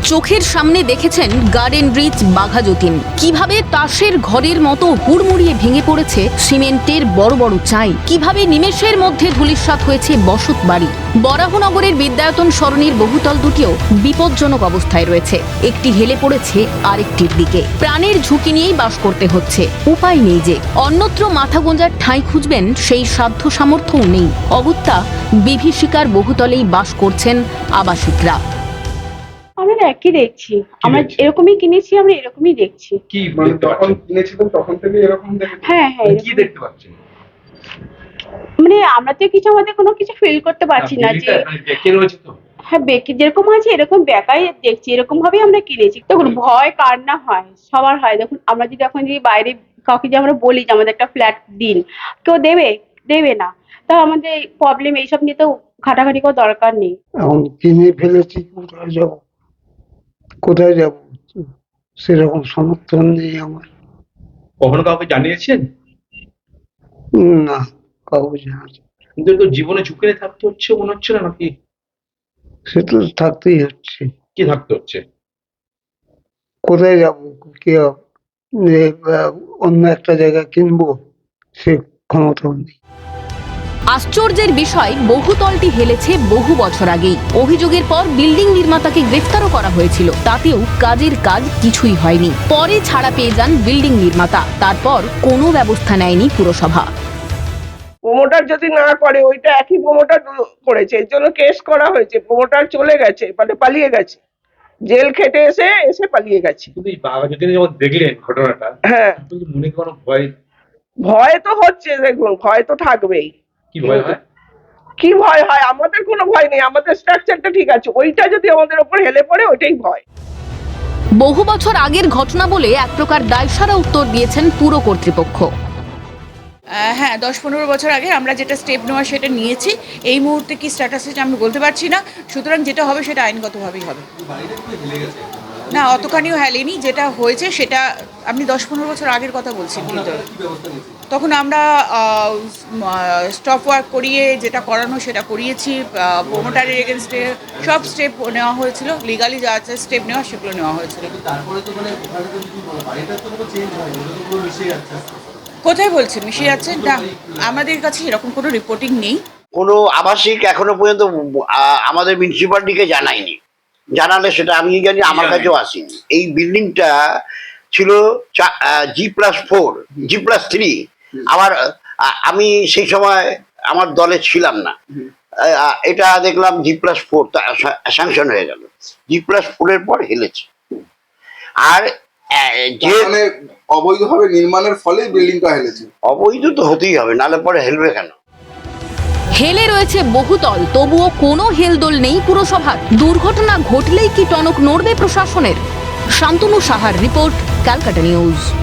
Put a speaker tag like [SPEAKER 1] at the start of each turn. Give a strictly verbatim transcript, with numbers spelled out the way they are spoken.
[SPEAKER 1] চোখের সামনে দেখেছেন গার্ডেন ব্রিজ বাঘাযতীন, কিভাবে তাসের ঘরের মতো হুড়মুড়িয়ে ভেঙে পড়েছে সিমেন্টের বড় বড় চাই, কিভাবে নিমেষের মধ্যে ধূলিসাৎ হয়েছে বসত বাড়ি। বরাহনগরের বিদ্যায়তন সরণির বহুতল দুটিও বিপজ্জনক অবস্থায় রয়েছে, একটি হেলে পড়েছে আরেকটির দিকে। প্রাণের ঝুঁকি নিয়েই বাস করতে হচ্ছে, উপায় নেই যে। অন্যত্র মাথা গোঁজার ঠাঁই খুঁজবেন সেই সাধ্য সামর্থ্যও নেই। অগত্যা বিভীষিকার বহুতলেই বাস করছেন আবাসিকরা।
[SPEAKER 2] আমরা একই দেখছি, আমরা এরকমই কিনেছি, আমরা এরকমই দেখছি।
[SPEAKER 3] কি মানে যখন কিনেছিলেন তখন থেকে এরকম দেখেছেন?
[SPEAKER 2] হ্যাঁ হ্যাঁ
[SPEAKER 3] মানে কি দেখতে পাচ্ছেন?
[SPEAKER 2] মানে আমরা তো কিছু আমাদের কোনো কিছু ফিল করতে পারছি না যে
[SPEAKER 3] বেঁকে রয়েছে তো।
[SPEAKER 2] হ্যাঁ বেঁকে যেরকম আছে এরকম বেঁকাই দেখছি, এরকম ভাবেই আমরা কিনেছি। দেখুন ভয় কার না হয়, সবার হয়। দেখুন আমরা যদি এখন যদি বাইরে কাউকে যে আমরা বলি যে আমাদের একটা ফ্ল্যাট দিন, কেউ দেবে দেবে না। তা আমাদের প্রবলেম এইসব নিয়ে তো ঘাটাঘাটি করার দরকার নেই।
[SPEAKER 4] এখন কিনে ফেলেছি, কোথায় যাব কোথায় যাব সেরকম সমর্থন নেই আমার।
[SPEAKER 3] কখনো কাউকে জানিয়েছেন?
[SPEAKER 4] না, কাউকে জানাচ্ছি
[SPEAKER 3] কিন্তু তো জীবনে ঝুঁকে থাকতে হচ্ছে মনে হচ্ছে না নাকি?
[SPEAKER 4] সে তো থাকতেই হচ্ছে।
[SPEAKER 3] কি থাকতে হচ্ছে?
[SPEAKER 4] কোথায় যাব, কি যে আহ, অন্য একটা জায়গা কিনবো সে ক্ষমতাও নেই।
[SPEAKER 1] আশ্চর্যের বিষয়, বহুতলটি হেলেছে বহু বছর আগেই। অভিযোগের পর বিল্ডিং নির্মাতাকে গ্রেফতারও করা হয়েছিল, তাতেও কাজের কাজ কিছুই হয়নি। পরে ছাড়া পেয়ে যান বিল্ডিং নির্মাতা, তারপর কোনো ব্যবস্থা নেয়নি পুরসভা।
[SPEAKER 5] প্রমোটার যদি না করে, ওইটা একই প্রমোটার করেছে, এর জন্য কেস করা হয়েছে। প্রমোটার চলে গেছে, মানে পালিয়ে গেছে, জেল খেটে এসে এসে পালিয়ে গেছে।
[SPEAKER 3] কিন্তু এই বাঘাযতীন যখন দেখলেন ঘটনাটা,
[SPEAKER 5] হ্যাঁ
[SPEAKER 3] কিন্তু মনে কোনো ভয়?
[SPEAKER 5] ভয় তো হচ্ছে, দেখুন ভয় তো থাকবেই।
[SPEAKER 3] কি ভয় হয়?
[SPEAKER 5] কি ভয় হয়? আমাদের কোনো ভয় নেই, আমাদের স্ট্রাকচারটা ঠিক আছে। ওইটা যদি আমাদের উপর হেলে পড়ে, ওইটাই ভয়।
[SPEAKER 1] বহু বছর আগের ঘটনা বলে এক প্রকার দায়সারা উত্তর দিয়েছেন পুর কর্তৃপক্ষ।
[SPEAKER 6] হ্যাঁ, দশ পনেরো বছর আগে আমরা যেটা স্টেপ নেওয়া সেটা নিয়েছি। এই মুহূর্তে কি স্ট্যাটাস আছে আমি বলতে পারছি না, সুতরাং যেটা হবে সেটা আইনগতভাবেই হবে। না, অতখানিও হেলেনি, যেটা হয়েছে সেটা আপনি দশ পনেরো বছর আগের কথা বলছেন। কিন্তু তখন আমরা স্টপ ওয়ার্ক করিয়ে যেটা করানো সেটা করিয়েছি, প্রোমোটারের এগেনস্টে সব স্টেপ নেওয়া হয়েছিল, লিগালি যা আছে স্টেপ নেওয়া সেগুলো নেওয়া হয়েছিল। কোথায় বলছেন মিশে যাচ্ছেন? না, আমাদের কাছে এরকম কোনো রিপোর্টিং নেই।
[SPEAKER 7] কোনো আবাসিক এখনো পর্যন্ত আহ, আমাদের মিউনিসিপালিটিকে জানায়নি। জানালে সেটা আমি জানি, আমার কাছেও আসেনি। এই বিল্ডিংটা ছিল G plus four G plus three. আমার আহ, আমি সেই সময় আমার দলে ছিলাম না। আহ, এটা দেখলাম জি প্লাস ফোর স্যাংশন হয়ে গেল, জি প্লাস ফোরের পর হেলেছে। আর যে
[SPEAKER 8] অবৈধভাবে নির্মাণের ফলে বিল্ডিংটা হেলেছে।
[SPEAKER 7] অবৈধ তো হতেই হবে, নাহলে পরে হেলবে কেন?
[SPEAKER 1] হেলে রয়েছে বহুতল, তবুও কোনো হেলদোল নেই পুরসভার। দুর্ঘটনা ঘটলেই কি টনক নড়বে প্রশাসনের? শান্তনু সাহার রিপোর্ট, ক্যালকাটা নিউজ।